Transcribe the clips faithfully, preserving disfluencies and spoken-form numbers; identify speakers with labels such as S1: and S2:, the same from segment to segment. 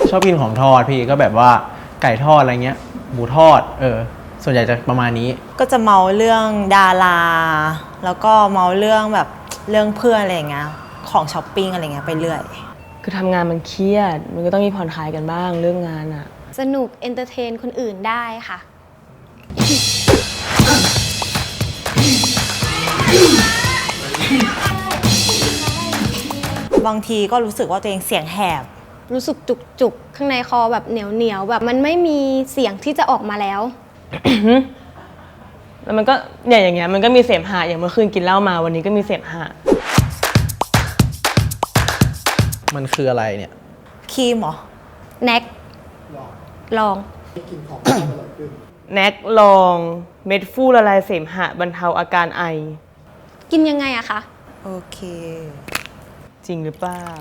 S1: ชอบกินของทอดพี่ก็แบบว่าไก่ทอดอะไรเงี้ยหมูทอดเออส่วนใหญ่จะประมาณนี้
S2: ก็จะเมาเรื่องดาราแล้วก็เมาเรื่องแบบเรื่องเพื่อนอะไรอย่างเงี้ยของช้อปปิ้งอะไรเงี้ยไปเรื่อย
S3: คือทำงานมันเครียดมันก็ต้องมีผ่อนคลายกันบ้างเรื่องงานอะ
S4: สนุกเอนเตอร์เทนคนอื่นได้ค่ะ
S2: บางทีก็รู้สึกว่าตัวเองเสียงแหบ
S4: รู้สึกจุกจุกข้างในคอแบบเหนียวเหนียวแบบมันไม่มีเสียงที่จะออกมาแล้ว
S3: แล้วมันก็เนี่ยอย่างเงี้ยมันก็มีเสมหะอย่างเมื่อคืนกินเหล้ามาวันนี้ก็มีเสมหะ
S1: มันคืออะไรเนี่ย
S2: ครีมเหรอ
S4: แน็กลอง
S3: แน็กลองเม็ดฟูละลายเสมหะบรรเทาอาการไอ
S4: กินยังไงอะคะ
S2: โอเค
S3: จริงหรือเปล่า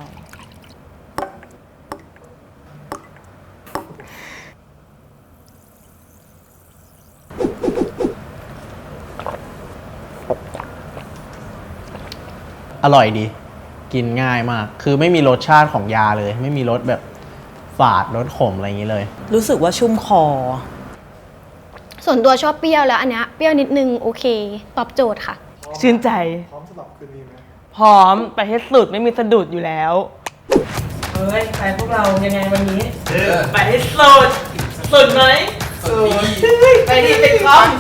S1: อร่อยดีกินง่ายมากคือไม่มีรสชาติของยาเลยไม่มีรสแบบฝาดรสขมอะไรอย่างนี้เลย
S2: รู้สึกว่าชุ่มคอ
S4: ส่วนตัวชอบเปรี้ยวแล้วอันเนี้ยเปรี้ยวนิดนึงโอเคตอบโจทย์ค่ะ
S3: ชื่นใจพร้อมสำหรับคืนนี้ไหมพร้อมไปให้สุดไม่มีสะดุดอยู่แล้วเฮ้ยไปพวกเรายังไงวันนี้ไปให้สุดสุดไหมสุดไปดิเป็นคอม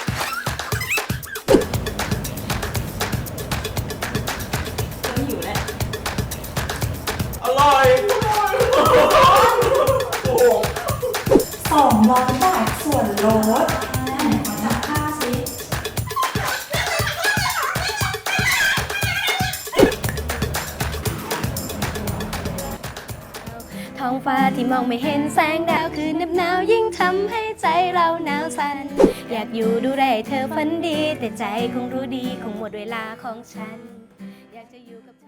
S3: อร่อย
S2: สองร้อยบาทส่วนลดนับค่าสิ
S4: ท้องฟ้าที่มองไม่เห็นแสงดาวคือเหน็บหนาวยิ่งทำให้ใจเราหนาวสั่นอยากอยู่ดูแลเธอฝันดีแต่ใจคงรู้ดีคงหมดเวลาของฉันอยากจะอยู่กับ